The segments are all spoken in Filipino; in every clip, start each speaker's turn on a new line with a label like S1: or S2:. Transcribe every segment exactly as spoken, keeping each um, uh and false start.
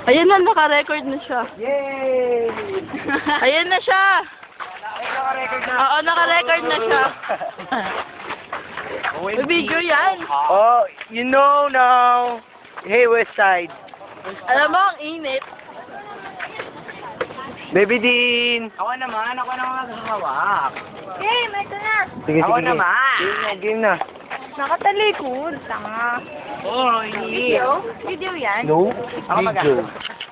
S1: Ayan na, naka-record na siya.
S2: Yay!
S1: Ayan na siya.
S2: Naka-record na.
S1: Oo, naka-record na siya. May video yan.
S2: Oh, you know now. Hey, West Side.
S1: Alam mo, ang init.
S2: Baby Dean. Ako naman, ako naman magkakawak.
S3: Game, ito na.
S2: Sige,
S4: Ako
S2: sige.
S4: naman.
S2: Game na, game na.
S3: Nakatalikod. Tanga.
S4: Oh,
S3: Video? Video yan?
S2: No?
S4: Ako mag-
S2: Video.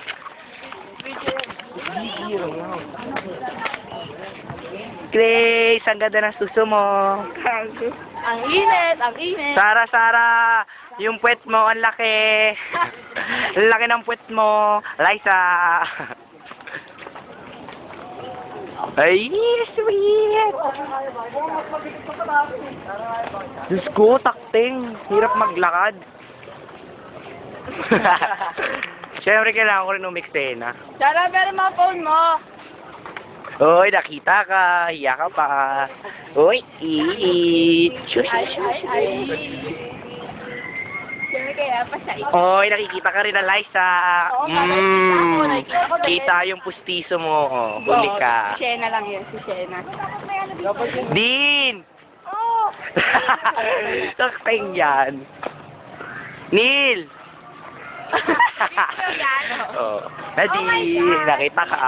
S4: Grace, ang ganda ng suso mo.
S1: Ang init, ang init.
S4: Sara, Sara, yung puwet mo, ang laki. Ang laki ng puwet mo. Liza. Ay, sweet. Diyos ko, takting. Hirap maglakad. Siyempre, kailangan ko rin umixena.
S1: Sara, pero mga phone mo.
S4: Uy, nakita ka. Hiya ka pa. Uy, ii. Shush,
S1: Ay,
S4: shush,
S1: ay,
S4: shush.
S1: ay. Siyempre kaya pa siya.
S4: Uy, nakikita ka rin na Liza.
S1: Oo nga, nakikita ko, nakikita ko.
S4: Kita yung pustiso mo. Oh, huli ka.
S1: Si Shena lang yun, si Shena.
S4: Dean!
S1: Oh!
S4: Sakting yan. Neil!
S1: Video yan.
S4: Oh. Nadine, nakita ka.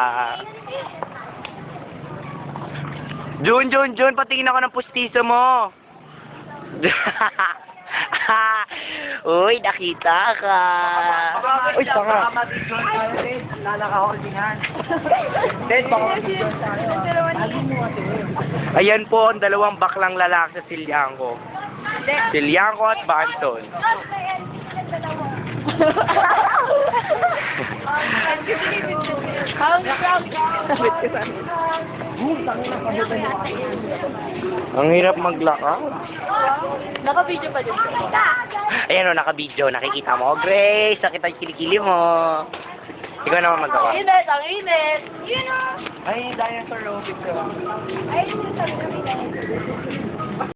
S4: Jun, Jun, Jun, patingin ako ng pustiso mo. Uy, nakita ka.
S2: Uy, tanga.
S4: Ayan po ang dalawang baklang lalaki sa Silyanko. Silyanko at Banton.
S1: Sabit ko sa
S4: Ang hirap maglakad.
S1: Naka-video pa din.
S4: Ayan o, naka-video. Nakikita mo. Grace, nakita yung kilikili mo. Ikaw naman magawa.
S1: Ang init, ang init.
S3: Yun o.
S2: Ay, dinosaur robotic ka.
S3: Ay, sabi ko